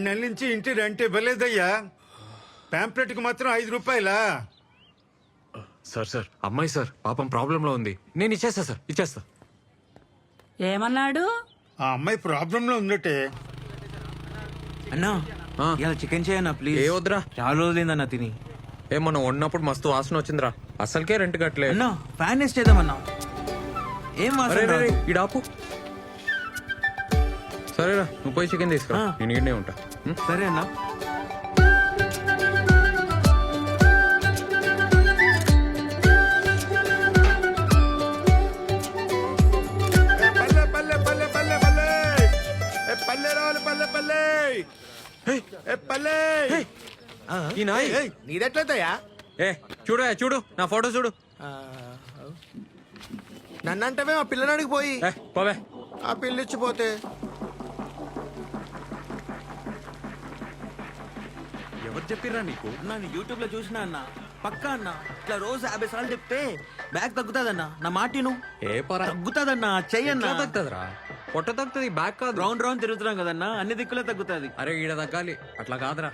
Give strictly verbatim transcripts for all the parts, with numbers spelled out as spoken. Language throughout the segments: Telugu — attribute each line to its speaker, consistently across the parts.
Speaker 1: రెండు నెలల నుంచి ఇంటి రెంట్ ఇవ్వలేదయ్యా. ప్యాంప్లెట్కి మాత్రం ఐదు రూపాయలా?
Speaker 2: సార్ సార్ అమ్మాయి సార్ పాపం ప్రాబ్లంలో ఉంది. నేను ఇచ్చేస్తా సార్, ఇచ్చేస్తా.
Speaker 3: ఏమన్నాడు?
Speaker 1: ఆ అమ్మాయి ప్రాబ్లంలో ఉందటే.
Speaker 4: అన్నా
Speaker 2: ఆ.
Speaker 4: ఇలా చికెన్ చేయన్నా ప్లీజ్.
Speaker 2: ఏ వద్దురా,
Speaker 4: చాలా రోజులైందన్నా తిని.
Speaker 2: ఏమన్నా వండినప్పుడు మస్తు వాసన వచ్చిందిరా. అసలుకే రెంట్ కట్టలే.
Speaker 4: అన్నా ఫ్యాన్ వేస్ట్ చేద్దామన్నా. ఏం
Speaker 2: అరే
Speaker 4: వాసన
Speaker 2: రే, రే,
Speaker 4: రాదు.
Speaker 2: ఈడాపు. సరేరా, నువ్వు పోయి చికెన్ తీసుకురా,
Speaker 4: ఆ.
Speaker 2: నేను ఈడనే ఉంటా. ఉం?
Speaker 4: సరే అన్నా.
Speaker 1: ఏ పల్లె పల్లె పల్లె పల్లె పల్లె ఏ పల్లె రావాలి పల్లె పల్లె ఏ పల్లె.
Speaker 2: ఈ నాయ్
Speaker 5: నీదెట్లయితయా?
Speaker 2: ఏ చూడు, ఏ, చూడు నా ఫోటో చూడు.
Speaker 5: నన్నంటవే మా పిల్లనాడికి పోయి
Speaker 2: ఏ పోవే.
Speaker 5: ఆ పిల్లిచ్చిపోతే
Speaker 2: ఎవరు చెప్పిర్రా నీకు?
Speaker 4: అన్నా నేను యూట్యూబ్ లో చూసినా అన్న. పక్కా అన్న ఇట్లా రోజు యాభై సార్లు చెప్తే బ్యాగ్ తగ్గుతాదన్నా. నా మాటిను
Speaker 2: ఏ పరా
Speaker 4: తగ్గుతాదన్నా. చెయ్యన్నా.
Speaker 2: ఎట్లా తగ్గుతుందిరా? పొట్ట తగ్గుతుంది, బ్యాక్ కాదు.
Speaker 4: రౌండ్ రౌండ్ తిరుగుతున్నాం కదన్నా, అన్ని దిక్కులే తగ్గుతాది.
Speaker 2: అరే ఈడ తగ్గాలి, అట్లా కాదురా.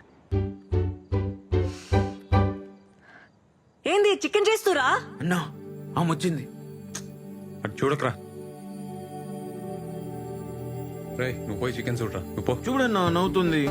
Speaker 3: ఏంది చికెన్ చేస్తురా?
Speaker 4: అన్నా ఆమె వచ్చింది.
Speaker 2: అటు చూడకరా. రే నువ్వు పోయి చికెన్ చూడరా, నువ్వు పో.
Speaker 4: చూడన్నా నవ్వుతుంది.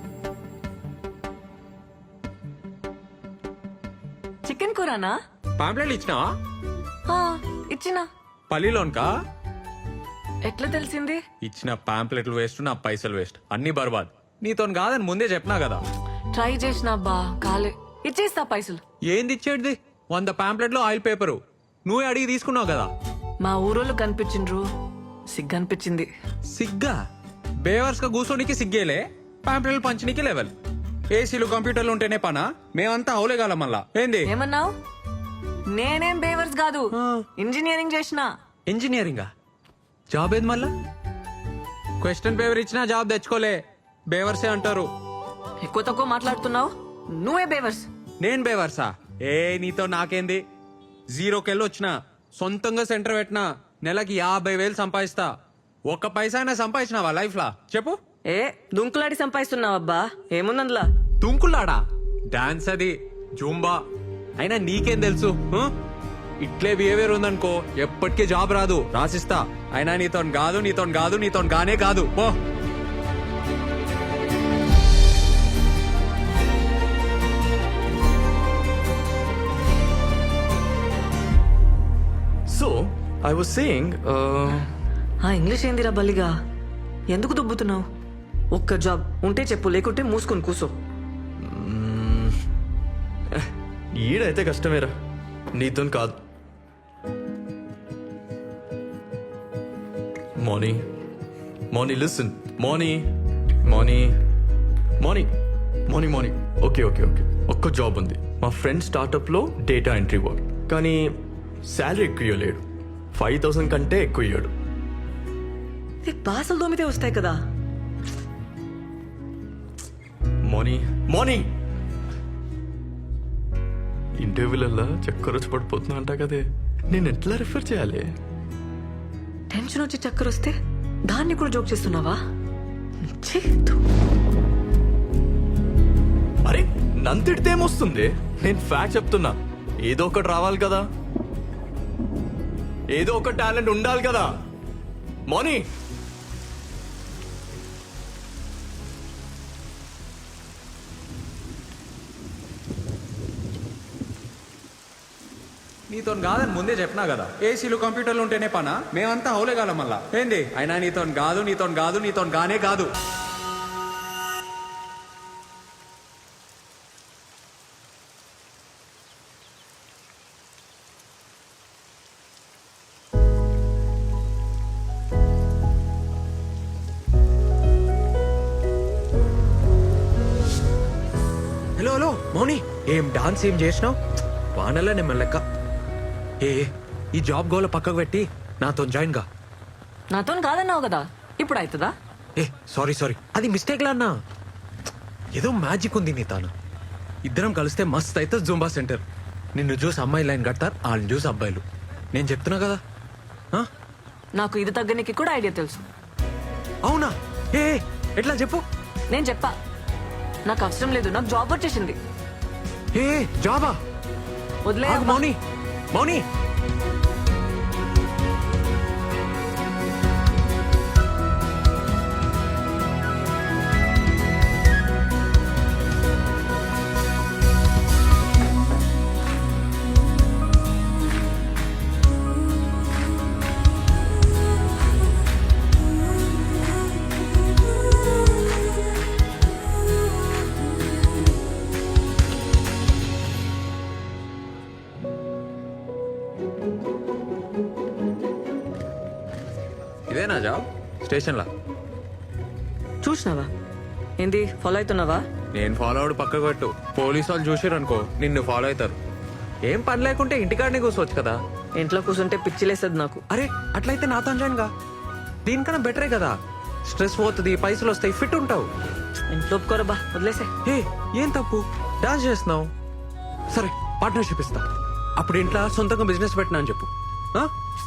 Speaker 3: చికెన్ కూరనా?
Speaker 2: పాంప్లెట్లు ఇచ్చినావా?
Speaker 3: ఆ, ఇచ్చినా.
Speaker 2: పల్లిలోన్కా?
Speaker 3: ఎట్లా తెలిసింది?
Speaker 2: ఇచ్చిన పాంప్లెట్లు వేస్ట్, నా పైసలు వేస్ట్, అన్ని బర్బాద్. నీతో కాదని ముందే చెప్పినా కదా.
Speaker 3: ట్రై చేసినా బా కాలే. ఇచ్చేస్తా పైసలు.
Speaker 2: ఏంది ఇచ్చేటిది? వంద పాంప్లెట్లు ఆయిల్ పేపరు నువ్వే అడిగి తీసుకున్నావు కదా.
Speaker 3: మా ఊరోళ్ళు కనిపించిండ్రు, సిగ్గనిపించింది.
Speaker 2: సిగ్గా? బేవర్స్ గా కూర్చోనికి సిగ్గేలే, పాంప్లెట్లు పంచనీకి లెవెల్. ఏసీలు కంప్యూటర్లు ఉంటేనే పనా? మేమంతా అవులేగాలం మళ్ళా. ఏంది
Speaker 3: ఏమన్నావు? నేనేం బేవర్స్ కాదు, ఇంజనీరింగ్ చేసిన.
Speaker 2: ఇంజనీరింగా? జాబ్ ఏది మళ్ళా? క్వశ్చన్ పేపర్ ఇచ్చినా జాబ్ తెచ్చుకోలే, బేవర్సే అంటారు.
Speaker 3: ఎక్కువ తక్కువ మాట్లాడుతున్నావు, నువ్వే బేవర్స్.
Speaker 2: నేను బేవర్సా? ఏ నీతో నాకేంది? జీరోకెళ్ళి వచ్చిన, సొంతంగా సెంటర్ పెట్టినా, నెలకి యాభై వేలు సంపాదిస్తా. ఒక్క పైసా అయినా సంపాదించినావా లైఫ్ లా చెప్పు?
Speaker 3: ఏ దుంకులాడి సంపాదిస్తున్నావు అబ్బా, ఏముందందులా?
Speaker 2: తుంకులాడా? డాన్స్ అది, జూంబా. అయినా నీకేం తెలుసు? ఆ? ఇట్లే బిహేవియర్ ఉందనుకో ఎప్పటికీ జాబ్ రాదు, రాసిస్తా. అయినా నీతో కాదు, నీతో కాదు, నీతో గానే కాదు, పో.
Speaker 6: So, I was saying, uh,
Speaker 3: ఆ ఇంగ్లీష్ ఏందిరా బల్లిగా? ఎందుకు దుబ్బుతున్నావు? ఒక్క జాబ్ ఉంటే చెప్పు, లేకుంటే మూసుకొని కూసో.
Speaker 6: ఈడైతే కష్టమేరా, నీతో కాదు. Moni Moni listen Moni Moni Moni Moni Moni okay okay okay ఒక్క జాబ్ ఉంది. మా ఫ్రెండ్ స్టార్టప్లో డేటా ఎంట్రీ వర్క్, కానీ శాలరీ ఎక్కువ ఇవ్వలేడు. ఫైవ్ థౌసండ్ కంటే ఎక్కువ ఇవ్వడు.
Speaker 3: ఈ బాసలు దోమితే వస్తాయి కదా.
Speaker 6: మోనీ మోనీ ఇంటర్వ్యూలల్లా చక్కర వచ్చి పడిపోతున్నా అంటా కదే, నేను ఎట్లా రిఫర్ చేయాలి?
Speaker 3: టెన్షన్ వచ్చి చక్కర వస్తే దాన్ని కూడా జోక్ చేస్తున్నావా? ఛీ, ధూ.
Speaker 6: అరే నంతిడితే ఏమొస్తుంది? నేను ఫ్యాక్ట్ చెప్తున్నా. ఏదో ఒకటి రావాలి కదా, ఏదో ఒక టాలెంట్ ఉండాలి కదా. మోనీ
Speaker 2: నీతో కాదని ముందే చెప్పినా కదా. ఏసీలు కంప్యూటర్లు ఉంటేనే పనా? మేమంతా అవులేగాలం మళ్ళా. ఏంది? అయినా నీతో కాదు, నీతో కాదు, నీతో గానే కాదు. హలో హలో మౌని, ఏం డాన్స్ ఏం చేసినావు? వానల్లా నేను లెక్క. ఏ ఈ జాబ్ గోల పక్కకు పెట్టి నాతో జాయిన్ గా.
Speaker 3: నాతో కాదన్నావు కదా, ఇప్పుడు అవుతుందా?
Speaker 2: ఏ సారీ సారీ, అది మిస్టేక్ లా అన్నా. ఏదో మ్యాజిక్ ఉంది నీ తాను. ఇద్దరం కలిస్తే మస్త్ అయితే జూంబా సెంటర్. నిన్ను చూసి అమ్మాయి లైన్ కడతారు, వాళ్ళని చూసి అబ్బాయిలు. నేను చెప్తున్నా కదా. ఆ?
Speaker 3: నాకు ఇది తగ్గనికి కూడా ఐడియా తెలుసు.
Speaker 2: అవునా? ఏ ఎట్లా చెప్పు.
Speaker 3: నేను చెప్పా నాకు అవసరం లేదు, నాకు జాబ్ వచ్చేసింది.
Speaker 2: ఏ జాబా?
Speaker 3: వదిలే
Speaker 2: ఆగు, మౌని మౌని ఇదేనా జాబ్? స్టేషన్లా?
Speaker 3: చూసినావా ఏంది ఫాలో అవుతున్నావా?
Speaker 2: నేను ఫాలో అవడు పక్కకు పెట్టు. పోలీసు వాళ్ళు చూసారు అనుకో నిన్ను ఫాలో అవుతారు. ఏం పని లేకుంటే ఇంటికాడనే కూర్చోవచ్చు కదా.
Speaker 3: ఇంట్లో కూర్చుంటే పిచ్చిలేస్తుంది నాకు.
Speaker 2: అరే అట్లయితే నాతో జాయిన్ గా. దీనికన్నా బెటరే కదా. స్ట్రెస్ పోతుంది, పైసలు వస్తాయి, ఫిట్ ఉంటావు.
Speaker 3: ఇంట్లో ఒప్పుకోరా బా, వదిలేసే.
Speaker 2: ఏ ఏం తప్పు? డాన్స్ చేస్తున్నావు, సరే పార్ట్నర్షిప్ ఇస్తా. అప్పుడు ఇంట్లో సొంతంగా బిజినెస్ పెట్టినా అని చెప్పు. ఆ?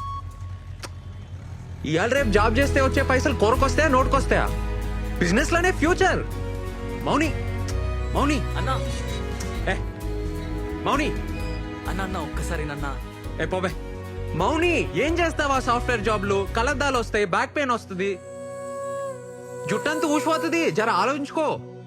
Speaker 2: ఇవాళ రేపు జాబ్ చేస్తే వచ్చే పైసలు కొరకొస్తాయా నోటుకొస్తాయా? బిజినెస్ లోనే ఫ్యూచర్. మౌని మౌని
Speaker 4: అన్నా
Speaker 2: ఏ మౌని
Speaker 4: అన్న అన్న ఒక్కసారి నన్న
Speaker 2: ఏ పోబే. మౌని ఏం చేస్తావా? సాఫ్ట్వేర్ జాబ్లు కలద్దాలు వస్తాయి, బ్యాక్ పెయిన్ వస్తుంది, జుట్టంతా ఊసిపోతుంది. జర ఆలోచించుకో.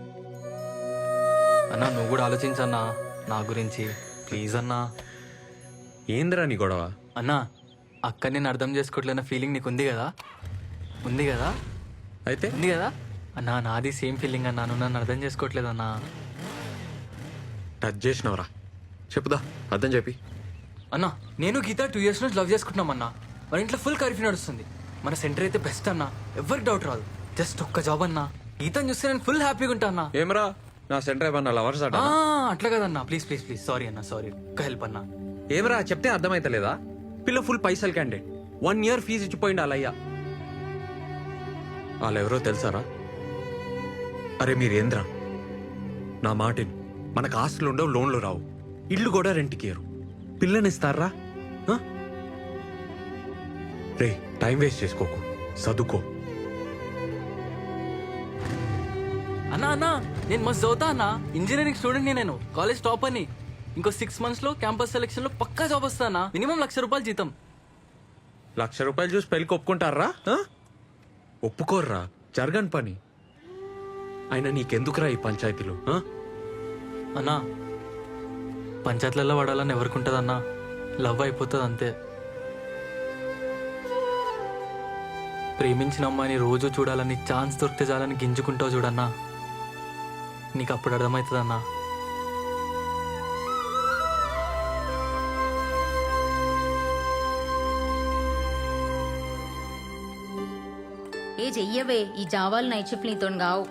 Speaker 7: అన్నా నువ్వు కూడా ఆలోచించన్నా నా గురించి ప్లీజ్ అన్నా.
Speaker 2: ఏందిరా నీ గొడవ?
Speaker 7: అన్నా అక్క నేను అర్థం చేసుకోవట్లేన ఫీలింగ్ నీకు ఉంది కదా? ఉంది కదా?
Speaker 2: అయితే
Speaker 7: ఉంది కదా అన్నా? నాది సేమ్ ఫీలింగ్ అన్నా, నువ్వు నన్ను అర్థం చేసుకోవట్లేదన్నా.
Speaker 2: టచ్ చేసినవరా? చెప్పుదా, అర్థం చెప్పి.
Speaker 7: అన్నా నేను గీత టూ ఇయర్స్ నుంచి లవ్ చేసుకుంటున్నాం అన్నా. మన ఇంట్లో ఫుల్ కర్ఫ్యూ నడుస్తుంది. మన సెంటర్ అయితే బెస్ట్ అన్నా, ఎవరికి డౌట్ రాదు. జస్ట్ ఒక్క జాబ్ అన్నా, గీతను చూస్తే నేను ఫుల్ హ్యాపీగా ఉంటా అన్నా.
Speaker 2: ఏమరా నా సెంటర్ ఏమన్నా లవర్స్ అట?
Speaker 7: ఆ, అట్లా కదన్నా, ప్లీజ్ ప్లీజ్ ప్లీజ్ సారీ అన్నా, సారీ. ఒక్క హెల్ప్ అన్నా.
Speaker 2: ఏమరా చెప్తే అర్థమైతలేదా? పిల్ల ఫుల్ పైసలు క్యాండిడేట్, వన్ ఇయర్ ఫీజు ఇచ్చిపోయింది అలయ్యా. వాళ్ళెవరో తెలుసారా? అరే మీరేంద్రా, నా మాటిని. మనకు ఆస్తులు ఉండవు, లోన్లు రావు, ఇల్లు కూడా రెంట్కి ఇయ్యరు. పిల్లనిస్తారా? ఆ? రే టైం వేస్ట్ చేసుకోకు, చదువుకో.
Speaker 7: అన్నా అన్నా నేను మస్తు చదువుతా అన్నా, ఇంజనీరింగ్ స్టూడెంట్ నేను, కాలేజ్ టాప్ అని. ఇంకో సిక్స్ మంత్స్ లో క్యాంపస్ సెలెక్షన్ లో పక్కా జాబ్ వస్తానా, మినిమం లక్ష రూపాయలు జీతం.
Speaker 2: లక్ష రూపాయలు చూసి పెళ్ళికి ఒప్పుకుంటారా? ఆ? ఒప్పుకోర్రా, జరగని పని. అయినా నీకెందుకురా ఈ పంచాయతీలు? ఆ?
Speaker 7: అన్నా పంచాయతీలలో పడాలని ఎవరికి ఉంటుంది అన్నా, లవ్ అయిపోతుంది అంతే. ప్రేమించిన అమ్మాయిని రోజు చూడాలని, ఛాన్స్ దొరికితే చాలని గింజుకుంటావు చూడన్నా, నీకు అప్పుడు అర్థమవుతుంది అన్నా.
Speaker 8: ఏ చెయ్యవే, ఈ జావాలు నైట్ షిఫ్ట్ నీతో గావు.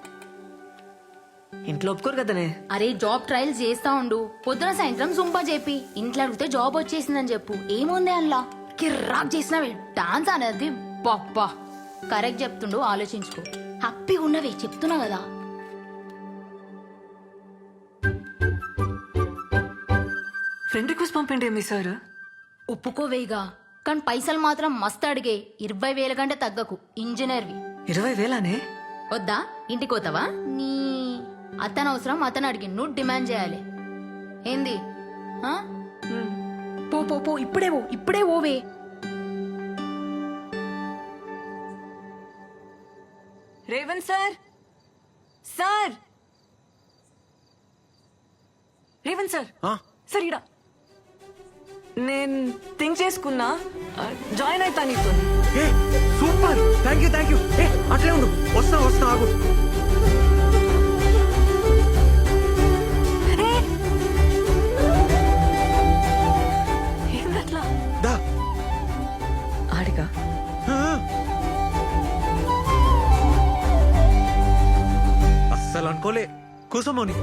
Speaker 3: ఇంట్లో ఒప్పుకోరు కదనే.
Speaker 8: అరే జాబ్ ట్రయల్స్ చేస్తా ఉండు, పొద్దున సాయంత్రం జుంపా చెప్పి ఇంట్లో అడిగితే జాబ్ వచ్చేసిందని చెప్పు. ఏముంది అందులో? కిర్రాక్ చేసినవి డాన్స్ అనేది బాబ్బా. కరెక్ట్ చెప్తుండు, ఆలోచించుకో. హ్యాపీగా ఉన్నవే చెప్తున్నా కదా.
Speaker 3: ఫ్రెండ్ రిక్వెస్ట్ పంపండి మీ సార్.
Speaker 8: ఒప్పుకోవేగా, కానీ పైసలు మాత్రం మస్తు అడిగే. ఇరవై వేల కంటే తగ్గకు, ఇంజనీర్వి.
Speaker 3: ఇరవై వేలానే?
Speaker 8: వద్దా? ఇంటికి పోతావా? నీ అతను అవసరం అతను అడిగి నువ్వు డిమాండ్ చేయాలి. ఏంది? ఆ? పో పో పో, ఇప్పుడే పో, ఇప్పుడే ఓవే.
Speaker 3: Revanth sir, sir Revanth sir,
Speaker 2: ఆ?
Speaker 3: సార్ ఇడా నేను థింక్ చేసుకున్నా, జాయిన్ అవుతా నీతో.
Speaker 2: ఏ super, thank you thank you. ఏ అట్లే ఉండు, వస్తా వస్తా, ఆగు.
Speaker 3: ఏందట్లా?
Speaker 2: దా.
Speaker 3: ఆడిగా
Speaker 2: ఆ. అస్సలు అనుకోలే. కూసమోని.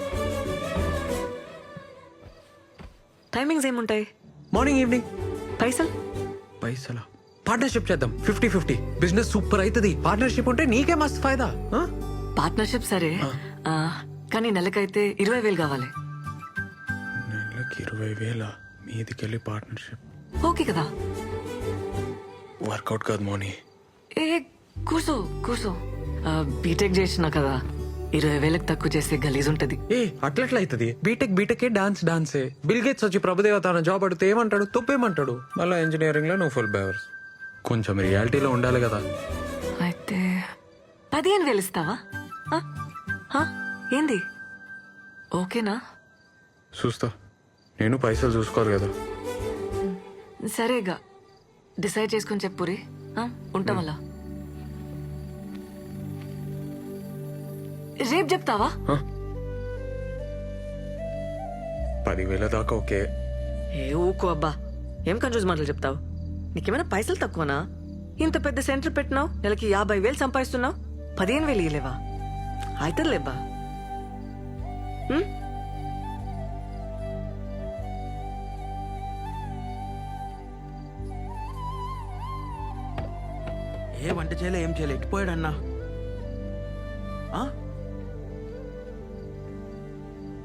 Speaker 3: టైమింగ్స్ ఏముంటాయి?
Speaker 2: Morning evening.
Speaker 3: పైసలు?
Speaker 2: పైసలా? పార్ట్నర్షిప్ చేద్దాం, ఫిఫ్టీ ఫిఫ్టీ. బిజినెస్ సూపర్ అవుతుంది. పార్ట్నర్షిప్ ఉంటే నీకే మస్తు ఫైదా. ఆ?
Speaker 3: పార్ట్నర్షిప్ సరే, ఆ, కానీ నెలకైతే ఇరవై వేలు కావాలి.
Speaker 2: నెలకి ఇరవై వేల మీదికెళ్ళి పార్ట్నర్షిప్
Speaker 3: ఓకే కదా?
Speaker 2: వర్కౌట్ కాదు మోని.
Speaker 3: ఏ కూర్చో కూర్చో, బీటెక్ చేసినా కదా ఇరవై వేలకు తక్కువ చేస్తే గలీజ్ ఉంటది.
Speaker 2: ఏ అట్లట్లా అవుతుంది. బీటెక్ బీటెక్ డాన్స్ డాన్సే. బిల్ గేట్స్ వచ్చి ప్రభుదేవ తన జాబ్ అడిగితే ఏమంటాడు? తప్పేమంటాడు. మళ్ళీ ఇంజనీరింగ్ లో నువ్వు ఫుల్ బేవర్స్. కొంచెం రియాలిటీలో ఉండాలి కదా.
Speaker 3: అయితే పదిహేను వేలు ఇస్తావా? ఆ? ఆ? ఏంది ఓకేనా?
Speaker 2: చూస్తా. నేను పైసలు చూసుకోవాలి కదా.
Speaker 3: సరేగా డిసైడ్ చేసుకుని చెప్పురి. ఉంటాం అలా. రేపు చెప్తావా?
Speaker 2: పదివేల దాకా ఓకే.
Speaker 3: ఏ ఊకో అబ్బా, ఏం కన్ఫ్యూజ్ మాటలు చెప్తావు? నీకేమైనా పైసలు తక్కువనా? ఇంత పెద్ద సెంటర్ పెట్టినావు, నెలకి యాభై వేలు సంపాదిస్తున్నావు, పదిహేను వేలు ఇయ్యలేవా? అవుతుందిలేబ్బా.
Speaker 4: ఏ వంట చేయలే, ఏం చేయలే, ఎట్టిపోయాడు అన్నా? ఆ?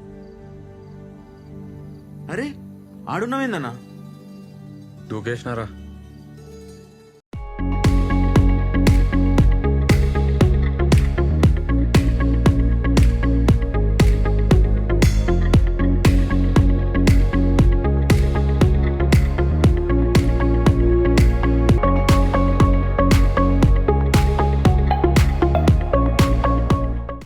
Speaker 4: అరే ఆడున్నావేందన్నా?
Speaker 2: దూకేసినారా?